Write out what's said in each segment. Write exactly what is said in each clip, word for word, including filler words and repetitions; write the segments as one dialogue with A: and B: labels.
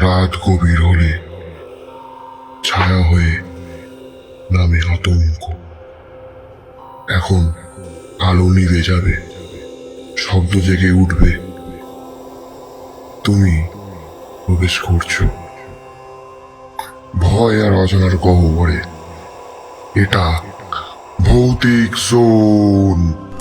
A: রাত গভীর হলে ছায়া হয়ে নামে আতঙ্ক। এখন আলো নিভে যাবে, শব্দ জেগে উঠবে, তুমি প্রবেশ করছো ভয় আর অজানার গহ্বরে। এটা ভৌতিক জোন।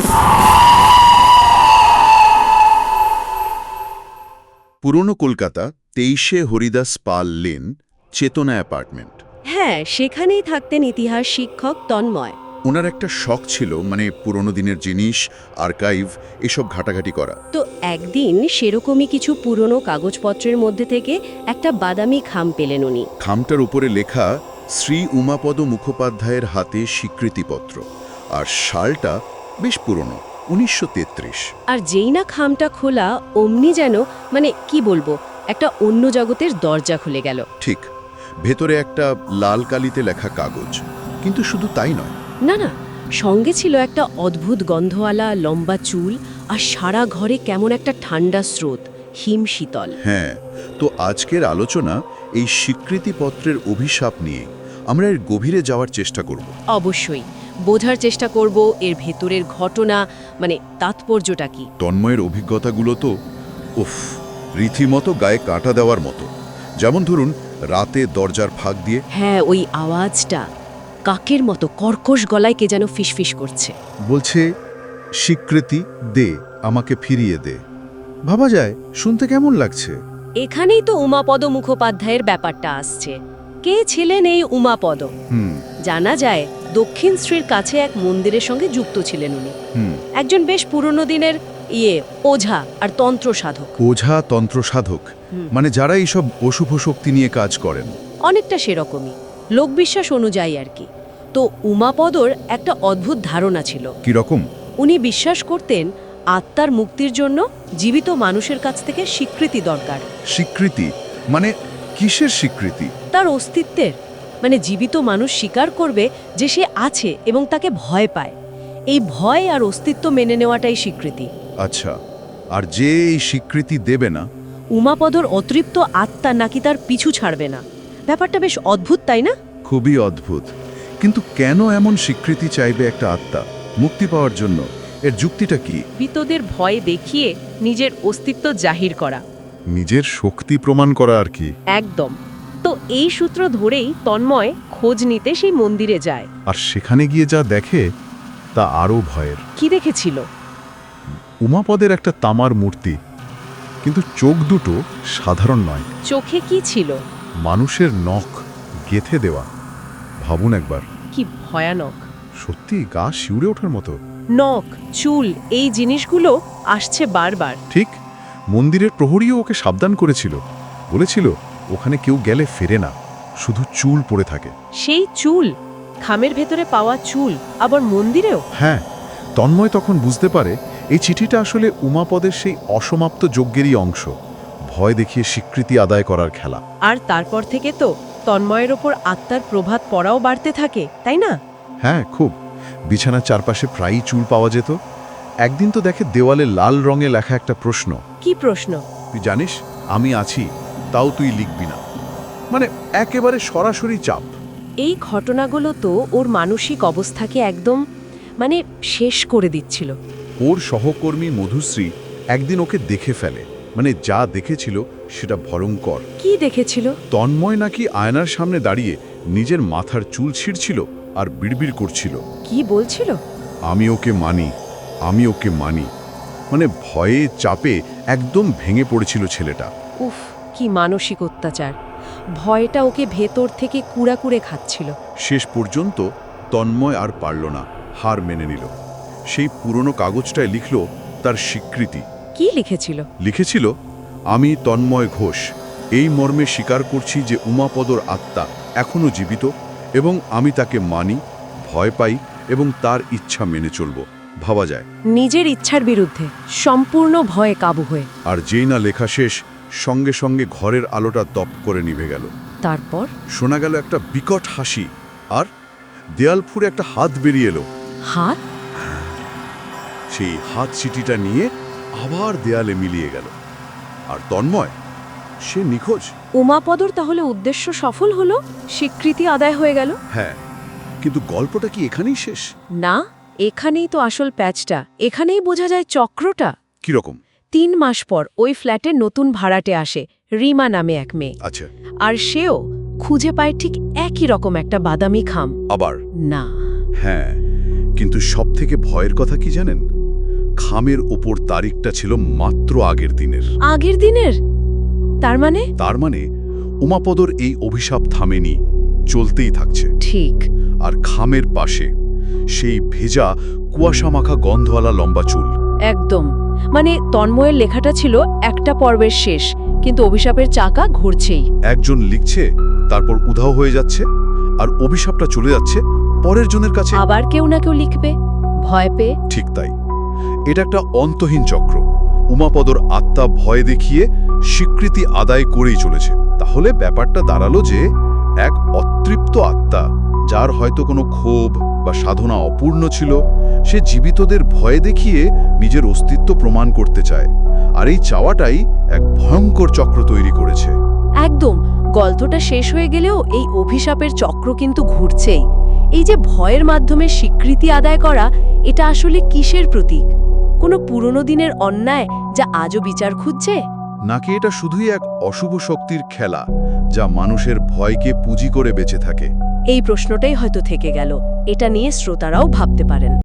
B: পুরনো কলকাতা, তেইশে হরিদাস পাল লেন, চেতনা অ্যাপার্টমেন্ট।
C: হ্যাঁ, সেখানেই থাকতেন ইতিহাস শিক্ষক তন্ময়।
B: ওনার একটা শখ ছিল, মানে পুরনো দিনের জিনিস, আর্কাইভ, এসব ঘাটাঘাটি করা।
C: তো একদিন সেরকমই কিছু পুরনো কাগজপত্রের মধ্যে থেকে একটা বাদামি খাম পেলেন উনি।
B: খামটার উপরে লেখা শ্রী উমাপদ মুখোপাধ্যায়ের হাতে স্বীকৃতিপত্র, আর সালটা বেশ পুরনো, উনিশশো তেত্রিশ।
C: আর যেই না খামটা খোলা, অমনি যেন মানে কি বলবো, একটা অন্য জগতের দরজা খুলে গেল।
B: ঠিক, ভেতরে একটা লাল কালিতে লেখা কাগজ, কিন্তু শুধু তাই নয়।
C: না না, সঙ্গে ছিল একটা অদ্ভুত গন্ধওয়ালা লম্বা চুল, আর সারা ঘরে কেমন একটা ঠান্ডা স্রোত, হিম শীতল।
B: হ্যাঁ, তো আজকের আলোচনা এই স্বীকৃতিপত্রের অভিশাপ নিয়ে। আমরা এর গভীরে যাওয়ার চেষ্টা করব।
C: অবশ্যই বোঝার চেষ্টা করব এর ভেতরের ঘটনা, মানে তাৎপর্যটা কি।
B: তন্ময়ের অভিজ্ঞতাগুলো তো উফ, রীতিমতো গায়ে কাঁটা দেওয়ার মতো। যেমন ধরুন, রাতে দরজার ফাঁক দিয়ে
C: হ্যাঁ, ওই আওয়াজটা কাকের মতো কর্কশ গলায় কে যেন ফিসফিস করছে।
B: বলছে, স্বীকৃতি দে, আমাকে ফিরিয়ে দে। ভাবা যায়, শুনতে কেমন লাগছে?
C: এখানেই তো উমাপদ মুখোপাধ্যায়ের ব্যাপারটা আসছে। কে ছিলেন এই উমাপদ?
B: হুম
C: জানা যায় দক্ষিণ শ্রীর কাছে এক মন্দিরের সঙ্গে যুক্ত ছিলেন উনি।
B: হুম
C: একজন বেশ পুরনো দিনের ইয়ে ওঝা আর তন্ত্র সাধক।
B: ওঝা, তন্ত্র সাধক,
C: হুম।
B: মানে যারা এইসব অশুভ শক্তি নিয়ে কাজ করেন।
C: অনেকটা সেরকমই, লোকবিশ্বাস অনুযায়ী আর কি। তো উমাপদর একটা অদ্ভুত ধারণা ছিল।
B: কি রকম?
C: উনি বিশ্বাস করতেন আত্মার মুক্তির জন্য জীবিত মানুষের কাছ থেকে স্বীকৃতি দরকার।
B: স্বীকৃতি মানে কিসের স্বীকৃতি?
C: তার অস্তিত্বের, মানে জীবিত মানুষ স্বীকার করবে যে সে আছে এবং তাকে ভয় পায়। এই ভয় আর অস্তিত্ব মেনে নেওয়াটাই স্বীকৃতি।
B: আচ্ছা, আর যে এই স্বীকৃতি দেবে না?
C: উমাপদর অতৃপ্ত আত্মা নাকি তার পিছু ছাড়বে না। ব্যাপারটা বেশ অদ্ভুত, তাই না?
B: খুবই অদ্ভুত। কিন্তু কেন এমন স্বীকৃতি চাইবে একটা আত্মা মুক্তি পাওয়ার জন্য? এর যুক্তিটা কি?
C: মৃতদের ভয় দেখিয়ে নিজের অস্তিত্ব জাহির করা।
B: নিজের শক্তি প্রমাণ করা আর কি।
C: একদম। তো এই সূত্র ধরেই তন্ময় খোঁজ নিতে সেই মন্দিরে যায়।
B: আর সেখানে গিয়ে যা দেখে তা আরও ভয়ের।
C: কি দেখেছিল?
B: উমাপদের একটা তামার মূর্তি, কিন্তু চোখ দুটো সাধারণ নয়।
C: চোখে কি ছিল?
B: মানুষের নখ গেথে দেওয়া। ভাবুন একবার।
C: কি ভয়ানক!
B: সত্যি গা শিউরে ওঠার মতো।
C: নখ, চুল, এই জিনিসগুলো আসছে বারবার।
B: ঠিক, মন্দিরের প্রহরীও ওকে সাবধান করেছিল, বলেছিল ওখানে কেউ গেলে ফেরে না, শুধু চুল পড়ে থাকে।
C: সেই চুল, খামের ভেতরে পাওয়া চুল, আবার মন্দিরেও।
B: হ্যাঁ, তন্ময় তখন বুঝতে পারে এই চিঠিটা আসলে উমাপদের সেই অসমাপ্ত যজ্ঞেরই অংশ, ভয় দেখিয়ে স্বীকৃতি আদায় করার খেলা।
C: আর তারপর থেকে তো তন্ময়ের ওপর আত্মার প্রভাব পড়াও বাড়তে থাকে, তাই না?
B: হ্যাঁ, খুব। বিছানার চারপাশে প্রায়ই চুল পাওয়া যেত। একদিন তো দেখে দেওয়ালে লাল রঙে লেখা একটা প্রশ্ন।
C: কি প্রশ্ন?
B: তুই জানিস আমি আছি, তাও তুই লিখবি না। মানে একেবারে সরাসরি চাপ।
C: এই ঘটনাগুলো তো ওর মানসিক অবস্থাকে একদম মানে শেষ করে দিচ্ছিল।
B: ওর সহকর্মী মধুশ্রী একদিন ওকে দেখে ফেলে, মানে যা দেখেছিল সেটা ভয়ঙ্কর।
C: কি দেখেছিল?
B: তন্ময় নাকি আয়নার সামনে দাঁড়িয়ে নিজের মাথার চুল ছিঁড়ছিল আর বিড়বিড় করছিল।
C: কি বলছিল?
B: আমি ওকে মানি, আমি ওকে মানি। মানে ভয়ে চাপে একদম ভেঙে পড়েছিল ছেলেটা।
C: উফ, কি মানসিক অত্যাচার! ভয়টা ওকে ভেতর থেকে কুড়াকুড়ে খাচ্ছিল।
B: শেষ পর্যন্ত তন্ময় আর পারল না, হার মেনে নিল। সেই পুরনো কাগজটায় লিখল তার স্বীকৃতি।
C: কি লিখেছিল?
B: লিখেছিল, আমি তন্ময় ঘোষ এই মর্মে স্বীকার করছি যে উমাপদর আত্মা এখনও জীবিত, এবং আমি তাকে মানি, ভয় পাই এবং তার ইচ্ছা মেনে চলব। ভাবা যায়,
C: নিজের ইচ্ছার বিরুদ্ধে, সম্পূর্ণ ভয়ে কাবু হয়ে।
B: আর যেই না লেখা শেষ, সঙ্গে সঙ্গে ঘরের আলোটা দপ করে নিভে গেল।
C: তারপর
B: শোনা গেল একটা বিকট হাসি, আর দেয়াল ফুঁড়ে একটা হাত বেরিয়ে এলো।
C: হাত?
B: সেই হাত চিঠিটা নিয়ে আবার দেয়ালে মিলিয়ে গেল। আর তন্ময় সে নিখোঁজ?
C: উমাপদর তাহলে উদ্দেশ্য সফল হলো, স্বীকৃতি আদায় হয়ে গেল।
B: হ্যাঁ, কিন্তু গল্পটা কি এখানেই শেষ?
C: না, এখানেই তো আসল প্যাচটা। এখানেই বোঝা যায় চক্রটা।
B: কিরকম?
C: তিন মাস পর ওই ফ্ল্যাটে নতুন ভাড়াটে আসে, রিমা নামে এক মেয়ে।
B: আচ্ছা,
C: আর সেও খুঁজে পায় ঠিক একই রকম একটা বাদামি খাম।
B: আবার?
C: না।
B: হ্যাঁ, কিন্তু সব থেকে ভয়ের কথা কি জানেন? খামের ওপর তারিখটা ছিল মাত্র আগের দিনের।
C: আগের দিনের? তার মানে?
B: তার মানে উমাপদর এই অভিশাপ থামেনি, চলতেই থাকছে।
C: ঠিক।
B: আর খামের পাশে সেই ভেজা কুয়াশামাখা গন্ধওয়ালা লম্বা চুল।
C: একদম। মানে তন্ময়ের লেখাটা ছিল একটা পর্বের শেষ, কিন্তু অভিশাপের চাকা ঘুরছেই।
B: একজন লিখছে, তারপর উধাও হয়ে যাচ্ছে, আর অভিশাপটা চলে যাচ্ছে পরের জনের কাছে।
C: আবার কেউ না কেউ লিখবে, ভয় পেয়ে।
B: ঠিক তাই। এটা একটা অন্তহীন চক্র। উমাপদর আত্মা ভয় দেখিয়ে স্বীকৃতি আদায় করেই চলেছে। তাহলে ব্যাপারটা দাঁড়ালো যে এক অতৃপ্ত আত্মা, যার হয়তো কোনো ক্ষোভ বা সাধনা অপূর্ণ ছিল, সে জীবিতদের ভয় দেখিয়ে নিজের অস্তিত্ব প্রমাণ করতে চায়। আর এই চাওয়াটাই এক ভয়ঙ্কর চক্র তৈরি করেছে।
C: একদম। গল্পটা শেষ হয়ে গেলেও এই অভিশাপের চক্র কিন্তু ঘুরছেই। এই যে ভয়ের মাধ্যমে স্বীকৃতি আদায় করা, এটা আসলে কিসের প্রতীক? কোনো পুরনো দিনের অন্যায় যা আজও বিচার খুঁজছে?
B: নাকি এটা শুধুই এক অশুভ শক্তির খেলা, যা মানুষের ভয়কে পুঁজি করে বেঁচে থাকে?
C: এই প্রশ্নটাই হয়তো থেকে গেল। এটা নিয়ে শ্রোতারাও ভাবতে পারেন।